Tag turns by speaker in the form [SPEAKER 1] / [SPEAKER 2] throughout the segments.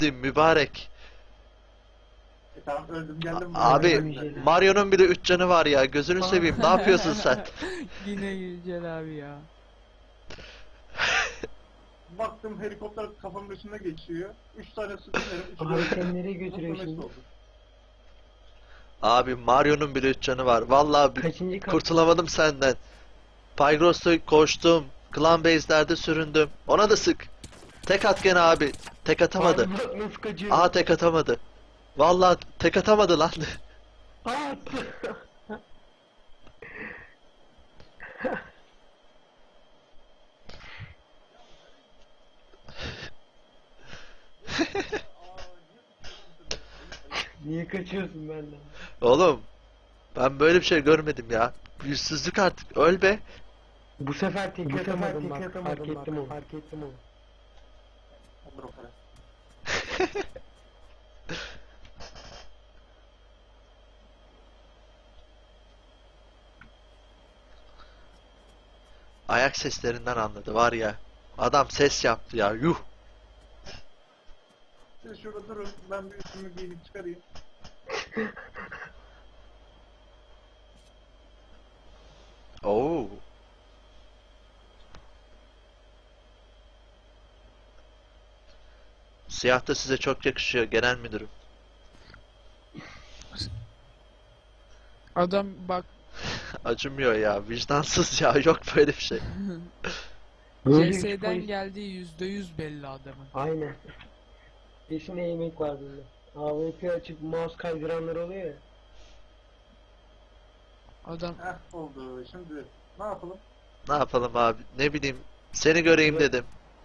[SPEAKER 1] ciddiyim mübarek.
[SPEAKER 2] Tamam öldüm geldim.
[SPEAKER 1] Abi Mario'nun bile 3 canı var ya, gözünü seveyim, ne yapıyorsun sen?
[SPEAKER 3] Yine Yücel abi ya.
[SPEAKER 2] Baktım helikopter kafamın üstünde geçiyor. 3 tane sıkıyorum.
[SPEAKER 4] Abi sen nereye götürüyor şimdi?
[SPEAKER 1] Abi Mario'nun bile 3 canı var. Vallahi
[SPEAKER 4] Kaçıncı kat?
[SPEAKER 1] kurtulamadım senden. Pygros'ta koştum. Clan base'lerde süründüm. Ona da sık. Tek at gene abi. Tek atamadı.
[SPEAKER 4] Abi bak nasıl kaçıyor?
[SPEAKER 1] Aha tek atamadı. Vallahi tek atamadı lan.
[SPEAKER 4] Aa, attı. Niye kaçıyorsun benden?
[SPEAKER 1] Oğlum ben böyle bir şey görmedim ya. Yüzsüzlük artık. Öl be.
[SPEAKER 4] Bu sefer tek atamadım bak. Fark ettim onu. Fark ettim onu.
[SPEAKER 2] Olur o kadar.
[SPEAKER 1] Ayak seslerinden anladı var ya. Adam ses yaptı ya. Yuh.
[SPEAKER 2] Siz şurada durun. Ben bir üstümü giyinip çıkarayım.
[SPEAKER 1] Oo. Siyah da size çok yakışıyor genel müdürüm.
[SPEAKER 3] Adam bak
[SPEAKER 1] Acımıyor ya. Vicdansız ya. Yok böyle bir şey.
[SPEAKER 4] Böyle bir
[SPEAKER 3] CS'den
[SPEAKER 4] polis-
[SPEAKER 3] geldiği %100 belli adamın.
[SPEAKER 4] Aynen. Peşine yemek var bunda. AWP açıp mouse kaydıranlar oluyor ya.
[SPEAKER 3] Adam
[SPEAKER 2] Heh oldu. Şimdi ne yapalım?
[SPEAKER 1] Ne yapalım abi? Ne bileyim. Seni göreyim dedim.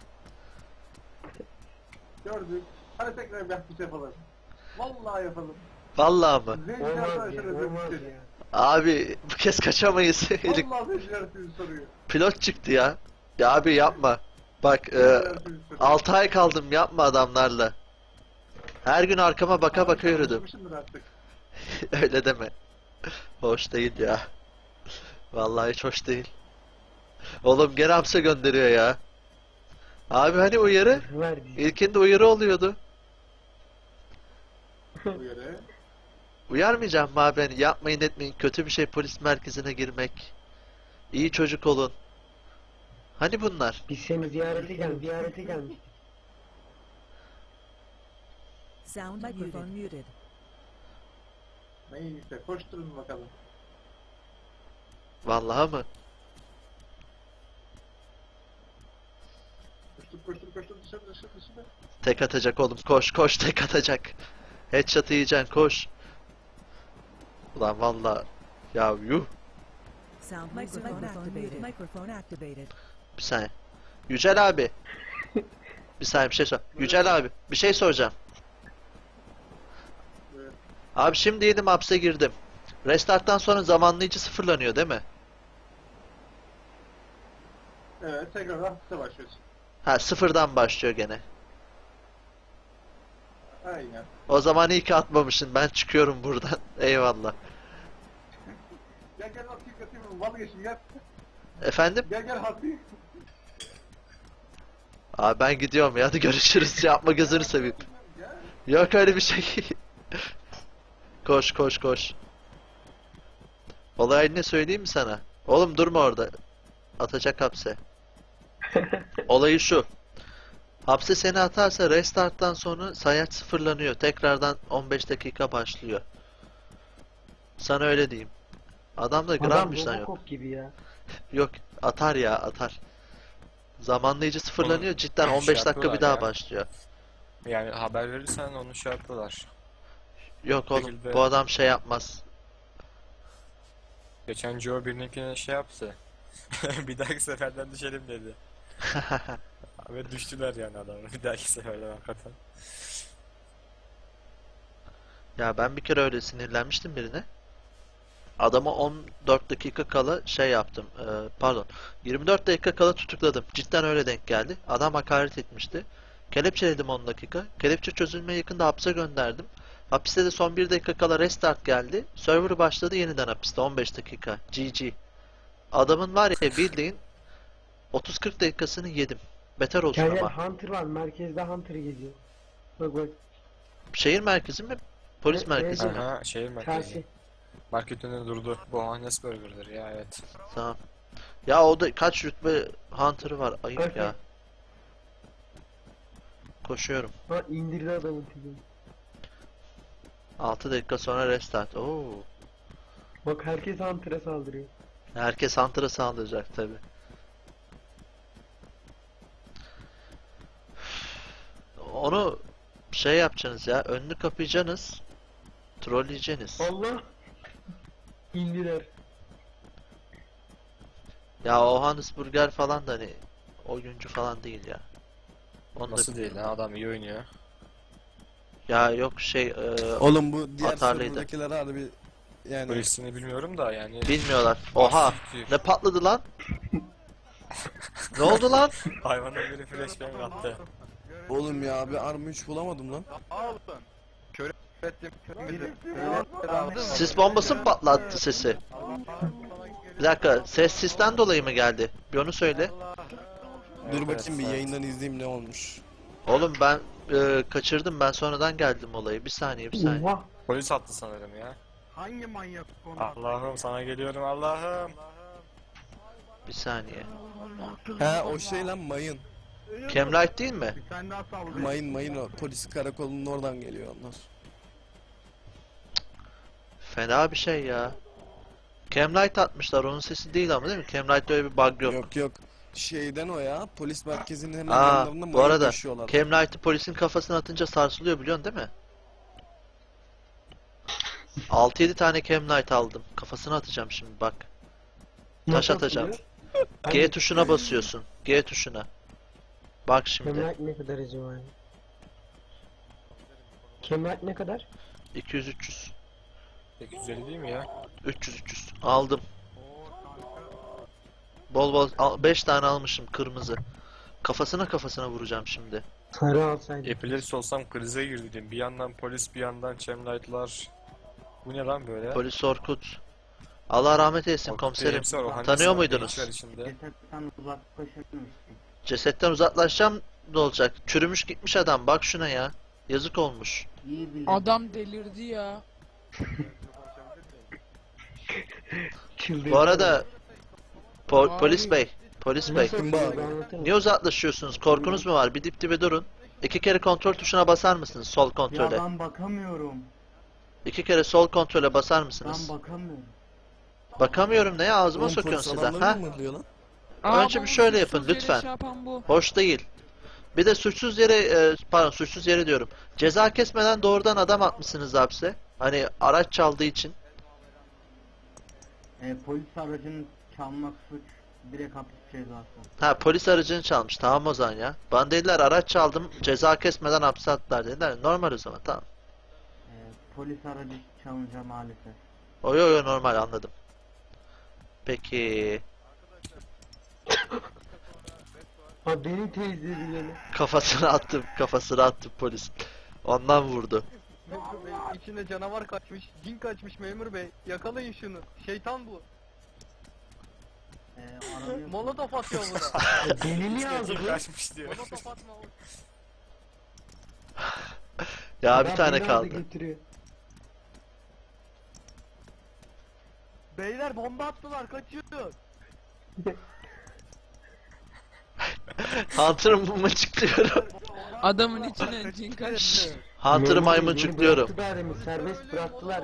[SPEAKER 2] Gördük. Hadi tekrar bir aktif yapalım. Vallahi yapalım.
[SPEAKER 1] Vallahi mı?
[SPEAKER 2] Zenciler
[SPEAKER 4] Olmaz
[SPEAKER 2] arkadaşlar
[SPEAKER 4] ya,
[SPEAKER 2] özür
[SPEAKER 4] olmaz
[SPEAKER 2] dilerim.
[SPEAKER 4] ya.
[SPEAKER 1] Abi bu kez kaçamayız.
[SPEAKER 2] Vallahi zenciler sizi soruyor.
[SPEAKER 1] Pilot çıktı ya. Ya abi yapma. Bak
[SPEAKER 2] Zenciler sizi soruyor.
[SPEAKER 1] 6 ay kaldım, yapma adamlarla. Her gün arkama baka baka yürüdüm.
[SPEAKER 2] Alışmışımdır artık.
[SPEAKER 1] Öyle deme. Hoş değil ya. Vallahi hiç hoş değil. Oğlum gene hapse gönderiyor ya. Abi hani uyarı?
[SPEAKER 4] Ver bizi.
[SPEAKER 1] İlkinde uyarı oluyordu.
[SPEAKER 2] Bu yere.
[SPEAKER 1] Uyarmayacağım mı abi? Hani yapmayın etmeyin. Kötü bir şey polis merkezine girmek. İyi çocuk olun. Hani bunlar?
[SPEAKER 4] Biz seni ziyarete gelmiştik.
[SPEAKER 5] Sound microphone muted.
[SPEAKER 2] Neyse koşturun bakalım.
[SPEAKER 1] Vallahi mı?
[SPEAKER 2] Koştur dışarı.
[SPEAKER 1] Tek atacak oğlum. Koş koş tek atacak. Headshot yiyeceksin koş. Ulan vallahi ya yuh.
[SPEAKER 5] Sound microphone activated. Microphone activated.
[SPEAKER 1] Bir saniye. Yücel abi. Bir saniye bir şey sor. Yücel abi bir şey soracağım.
[SPEAKER 2] Evet.
[SPEAKER 1] Abi şimdi yedim hapse girdim. Restarttan sonra zamanlayıcı sıfırlanıyor değil mi?
[SPEAKER 2] Evet tekrar hafifte başlıyorsun.
[SPEAKER 1] Ha sıfırdan başlıyor gene.
[SPEAKER 2] Aynen.
[SPEAKER 1] O zaman iyi ki atmamışsın. Ben çıkıyorum buradan. Eyvallah.
[SPEAKER 2] Gel hafif atayım vazgeçin gel.
[SPEAKER 1] Efendim?
[SPEAKER 2] Gel hafif.
[SPEAKER 1] Abi ben gidiyorum ya. Hadi görüşürüz. Yapma gözünü seveyim.
[SPEAKER 2] Gel.
[SPEAKER 1] Yok öyle bir şey. Koş koş koş. Olay ne söyleyeyim mi sana? Oğlum durma orada. Atacak hapse. Olayı şu. Hapse seni atarsa restarttan sonra sayaç sıfırlanıyor. Tekrardan 15 dakika başlıyor. Sana öyle diyeyim. Adam da
[SPEAKER 4] Adam
[SPEAKER 1] grammış lan yok.
[SPEAKER 4] Robocop gibi ya.
[SPEAKER 1] Yok atar ya atar. Zamanlayıcı sıfırlanıyor.
[SPEAKER 6] Onu
[SPEAKER 1] Cidden 15 dakika bir
[SPEAKER 6] yapıyorlar
[SPEAKER 1] daha
[SPEAKER 6] ya.
[SPEAKER 1] başlıyor.
[SPEAKER 6] Yani haber verirsen onu şey yapıyorlar.
[SPEAKER 1] Yok oğlum
[SPEAKER 6] şekilde-
[SPEAKER 1] bu adam şey yapmaz.
[SPEAKER 6] Geçen Joe birininkine şey yaptı. Bir dahaki seferden düşelim dedi. Ve düştüler yani adamı. Bir dahaki seferden hakikaten.
[SPEAKER 1] Ya ben bir kere öyle sinirlenmiştim birine. Adama 14 dakika kala şey yaptım. Pardon. 24 dakika kala tutukladım. Cidden öyle denk geldi. Adam hakaret etmişti. Kelepçeledim 10 dakika. Kelepçe çözülmeye yakında hapse gönderdim. Hapiste de son 1 dakika kala restart geldi. Server başladı yeniden hapiste 15 dakika. GG. Adamın var ya bildiğin 30-40 dakikasını yedim. Beter olsun
[SPEAKER 4] Gel
[SPEAKER 1] ama.
[SPEAKER 4] Hunter var. Merkezde Hunter geziyor. Bak bak.
[SPEAKER 1] Şehir merkezi mi? Polis
[SPEAKER 4] Evet,
[SPEAKER 1] merkezi mi?
[SPEAKER 6] Aha şehir merkezi.
[SPEAKER 4] Çarşı.
[SPEAKER 6] Market önünde durdu. Bu Hannes Burger'dır ya, evet.
[SPEAKER 1] Tamam. Ya o da kaç rütbe Hunter'ı var? Ayıp
[SPEAKER 4] Okey.
[SPEAKER 1] ya. Koşuyorum.
[SPEAKER 4] Ha indirdi adamın tüzüğünü.
[SPEAKER 1] 6 dakika sonra restart. Oo.
[SPEAKER 4] Bak herkes Hunter'a saldırıyor.
[SPEAKER 1] Herkes Hunter'a saldıracak tabi. Onu şey yapacaksınız ya. Önünü kapayacaksınız. Trolleyeceksiniz.
[SPEAKER 4] Allah! İndiler.
[SPEAKER 1] Ya o Hannes Burger falan da hani oyuncu falan değil ya. Onu da
[SPEAKER 6] Nasıl değil
[SPEAKER 1] biliyorum.
[SPEAKER 6] ha, adam iyi oynuyor.
[SPEAKER 1] Ya yok şey
[SPEAKER 7] Oğlum bu diğer
[SPEAKER 1] Atarlıydı.
[SPEAKER 7] serverdakiler harbi yani
[SPEAKER 6] Polisini bilmiyorum da yani.
[SPEAKER 1] bilmiyorlar. Oha! Ne patladı lan? Ne oldu lan?
[SPEAKER 6] Hayvanın biri flashbang attı.
[SPEAKER 7] oğlum ya bir arma 3 bulamadım lan.
[SPEAKER 1] Sis bombası mı patlattı sesi? Bir dakika, ses sisten dolayı mı geldi? Bir onu söyle.
[SPEAKER 7] Dur
[SPEAKER 6] Evet,
[SPEAKER 7] bakayım bir
[SPEAKER 6] evet.
[SPEAKER 7] yayından izleyeyim ne olmuş.
[SPEAKER 1] Oğlum ben kaçırdım. Ben sonradan geldim olayı. Bir saniye, bir saniye.
[SPEAKER 4] Oha!
[SPEAKER 6] Polis attı sanırım ya.
[SPEAKER 2] Hangi manyak konu?
[SPEAKER 6] Allah'ım sana geliyorum Allah'ım.
[SPEAKER 1] Bir saniye.
[SPEAKER 7] He o şey lan mayın.
[SPEAKER 1] Camlight değil mi?
[SPEAKER 2] Bir tane daha saldırı.
[SPEAKER 7] Mayın o. Polis karakolunun oradan geliyor onlar.
[SPEAKER 1] Fena bir şey ya. Camlight atmışlar. Onun sesi değil ama değil mi? Camlight'te öyle bir bug yok.
[SPEAKER 7] Yok yok. Şeyden o ya. Polis merkezinin hemen
[SPEAKER 1] Aa,
[SPEAKER 7] yanlarında
[SPEAKER 1] bu
[SPEAKER 7] mayın
[SPEAKER 1] arada
[SPEAKER 7] taşıyorlar.
[SPEAKER 1] Camlight'ı polisin kafasına atınca sarsılıyor biliyorsun değil mi? 6-7 tane Camlight aldım. Kafasına atacağım şimdi bak. Taş
[SPEAKER 4] Nasıl
[SPEAKER 1] atacağım.
[SPEAKER 4] atılıyor?
[SPEAKER 1] G tuşuna basıyorsun. G tuşuna. Bak şimdi.
[SPEAKER 4] Kemal ne kadar acaba? Kemal ne kadar?
[SPEAKER 1] 200-300.
[SPEAKER 6] 850 değil mi ya?
[SPEAKER 1] 300-300. Aldım. Bol bol 5 tane almışım kırmızı. Kafasına vuracağım şimdi.
[SPEAKER 4] Sarı alsaydım.
[SPEAKER 6] Epilepsi olsam krize girdim. Bir yandan polis, bir yandan chemlight'lar. Bu ne lan böyle?
[SPEAKER 1] Polis Orkut. Allah rahmet eylesin
[SPEAKER 6] Orkut
[SPEAKER 1] komiserim.
[SPEAKER 6] Bey'imsi var, o Hannes
[SPEAKER 1] Tanıyor
[SPEAKER 6] var,
[SPEAKER 1] muydunuz?
[SPEAKER 6] gençler içinde.
[SPEAKER 2] Cesetten uzaklaşırmış.
[SPEAKER 1] Cesetten uzaklaşacağım ne olacak? Çürümüş gitmiş adam. Bak şuna ya. Yazık olmuş.
[SPEAKER 2] İyi bilin.
[SPEAKER 3] Adam delirdi ya.
[SPEAKER 4] Çıldırdı.
[SPEAKER 1] Bu arada
[SPEAKER 3] Abi.
[SPEAKER 1] polis bey. Polis bey.
[SPEAKER 4] Nasıl
[SPEAKER 7] Kim
[SPEAKER 4] atılıyor?
[SPEAKER 7] bağırıyor?
[SPEAKER 4] Anlatır mısın?
[SPEAKER 1] Niye uzaklaşıyorsunuz? Korkunuz mu var? Bir dip dibe durun. 2 kere kontrol tuşuna basar mısınız? Sol
[SPEAKER 2] Ya
[SPEAKER 1] kontrole.
[SPEAKER 2] ben bakamıyorum.
[SPEAKER 1] 2 kere sol kontrole basar mısınız?
[SPEAKER 2] Ben bakamıyorum.
[SPEAKER 1] Bakamıyorum neye ağzıma
[SPEAKER 7] Oğlum
[SPEAKER 1] sokuyorsun
[SPEAKER 7] polis
[SPEAKER 1] sizden
[SPEAKER 7] adamları
[SPEAKER 1] ha?
[SPEAKER 7] mı mırlıyor lan?
[SPEAKER 1] Önce
[SPEAKER 3] bu
[SPEAKER 1] bir şöyle
[SPEAKER 3] suçsuz
[SPEAKER 1] yapın,
[SPEAKER 3] yere
[SPEAKER 1] lütfen.
[SPEAKER 3] şey yapan bu.
[SPEAKER 1] Hoş değil. Bir de suçsuz yere pardon suçsuz yere diyorum. Ceza kesmeden doğrudan adam atmışsınız hapse. Hani araç çaldığı için.
[SPEAKER 2] Polis aracını çalmak suç. Direkt hapis cezası.
[SPEAKER 1] Ha polis aracını çalmış. Tamam o zaman ya. Bana dediler araç çaldım. Ceza kesmeden hapse attılar dediler. Normal o zaman tamam.
[SPEAKER 2] Polis aracı çalınca maalesef.
[SPEAKER 1] Oyo normal anladım. Peki
[SPEAKER 4] Ha beni teyzedi gene.
[SPEAKER 1] kafasına attım polis. Ondan vurdu.
[SPEAKER 8] Memur bey içinde canavar kaçmış, cin kaçmış memur bey. Yakalayın şunu. Şeytan bu.
[SPEAKER 2] Aranıyor.
[SPEAKER 8] Molotof atıyor buna.
[SPEAKER 4] Ya beni niye aldı
[SPEAKER 6] Kim
[SPEAKER 4] bu?
[SPEAKER 6] kaçmış diyor.
[SPEAKER 8] Molotof atma.
[SPEAKER 1] Ya bir
[SPEAKER 4] Adam
[SPEAKER 1] tane
[SPEAKER 4] beni aldı
[SPEAKER 1] kaldı.
[SPEAKER 4] götürüyor.
[SPEAKER 8] Beyler bomba attılar kaçıyor.
[SPEAKER 1] Hunter'ı mıncıklıyorum.
[SPEAKER 3] Adamın içine cin kaçtı.
[SPEAKER 1] Hunter'ı
[SPEAKER 4] Memur bey,
[SPEAKER 1] maymuncukluyorum.
[SPEAKER 4] beni bıraktılar demin, serbest bıraktılar.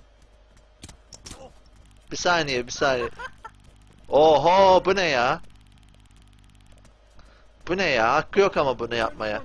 [SPEAKER 1] Bir saniye. Oho bu ne ya? Bu ne ya? Hakkı yok ama bunu yapmaya.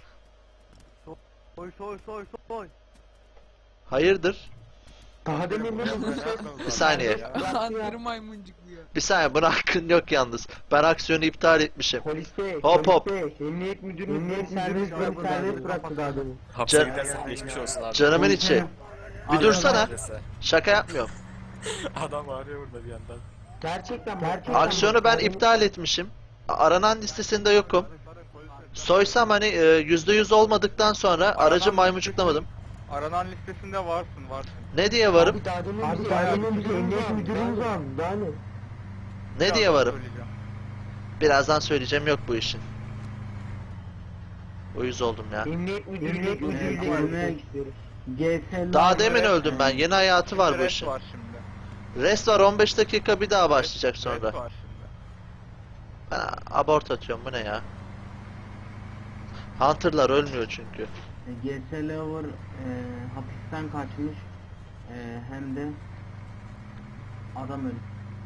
[SPEAKER 8] Soy soy soy soy.
[SPEAKER 1] Hayırdır?
[SPEAKER 4] Daha demin beni
[SPEAKER 1] Bir saniye.
[SPEAKER 3] Andırı maymuncukluyor.
[SPEAKER 1] Bir saniye buna hakkın yok yalnız. Ben aksiyonu iptal etmişim.
[SPEAKER 4] Polis bey,
[SPEAKER 1] Hop, hop.
[SPEAKER 4] polis bey, emniyet müdürünüz beni serbest bıraktı daha demin.
[SPEAKER 6] Hapse
[SPEAKER 1] Can-
[SPEAKER 6] gidersen geçmiş olsun abi.
[SPEAKER 1] Canımın içi. Bir dursana.
[SPEAKER 6] Neredeyse.
[SPEAKER 1] Şaka yapmıyorum.
[SPEAKER 6] Adam ağrıyor burada bir yandan.
[SPEAKER 4] Gerçekten.
[SPEAKER 1] Aksiyonu ben iptal etmişim. Aranan listesinde yokum. Soysam hani %100 olmadıktan sonra aracı maymuncukamadım.
[SPEAKER 8] Aranan listesinde varsın.
[SPEAKER 1] Ne diye varım?
[SPEAKER 4] Abi daha demin bizi emniyet müdürümüz aldı. Daha ne?
[SPEAKER 1] Ne diye varım? Birazdan söyleyeceğim yok bu işin. Uyuz oldum ya.
[SPEAKER 4] Emniyet müdürlüğüne görmek istiyoruz. GS'ler
[SPEAKER 1] Daha demin öldüm ben. Yeni hayatı var bu işin.
[SPEAKER 8] var şimdi.
[SPEAKER 1] Rest var 15 dakika bir daha başlayacak
[SPEAKER 8] Red
[SPEAKER 1] sonra.
[SPEAKER 8] var şimdi.
[SPEAKER 1] Ben abort atıyorum bu ne ya? Hunter'lar ölmüyor çünkü.
[SPEAKER 9] GS Lover hapisten kaçmış hem de adam ölmüş.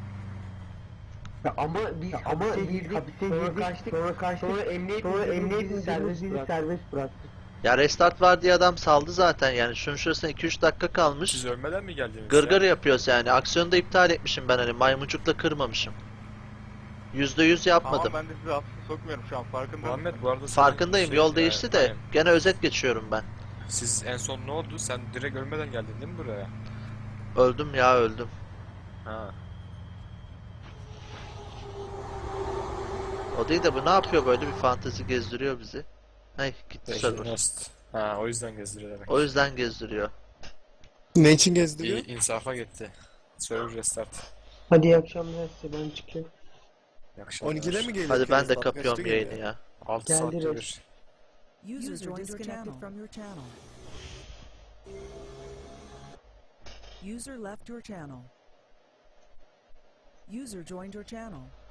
[SPEAKER 4] ama biz hapise girdik, sonra kaçtık, sonra emniyet bizi serbest bıraktı.
[SPEAKER 1] Ya restart var diye adam saldı zaten yani. Şunun şurasına 2-3 dakika kalmış.
[SPEAKER 6] Siz ölmeden mi geldiniz
[SPEAKER 1] Gırgır
[SPEAKER 6] ya?
[SPEAKER 1] yapıyoruz yani. Aksiyonu da iptal etmişim ben hani maymuncukla kırmamışım. %100 yapmadım.
[SPEAKER 8] Ama ben de sizi hapse sokmuyorum şu an farkında
[SPEAKER 6] Muhammed
[SPEAKER 8] mısın?
[SPEAKER 6] bu arada senin
[SPEAKER 1] Farkındayım
[SPEAKER 6] şey,
[SPEAKER 1] yol değişti de
[SPEAKER 6] aynen.
[SPEAKER 1] gene özet geçiyorum ben.
[SPEAKER 6] Siz en son ne oldu? Sen direkt ölmeden geldin değil mi buraya?
[SPEAKER 1] Öldüm ya öldüm.
[SPEAKER 6] Ha.
[SPEAKER 1] O değil de bu ne yapıyor böyle bir fantezi gezdiriyor bizi. Ay gitti server.
[SPEAKER 6] Nest. Ha, o yüzden gezdiriyor demek.
[SPEAKER 1] O yüzden gezdiriyor.
[SPEAKER 7] Ne için gezdiriyor?
[SPEAKER 6] İyi, insafa gitti. Server restart.
[SPEAKER 4] Hadi iyi akşamlar size, ben çıkıyorum.
[SPEAKER 6] İyi akşamlar.
[SPEAKER 7] 12'de mi geliyor?
[SPEAKER 1] Hadi ben de
[SPEAKER 7] Saat kaçta
[SPEAKER 1] kapıyorum
[SPEAKER 7] geliyor?
[SPEAKER 1] yayını ya.
[SPEAKER 6] 6
[SPEAKER 4] Geldi
[SPEAKER 6] saatte
[SPEAKER 4] Reis.
[SPEAKER 6] bir.
[SPEAKER 5] User User disconnected disconnected from your channel. User left your channel. User joined your channel.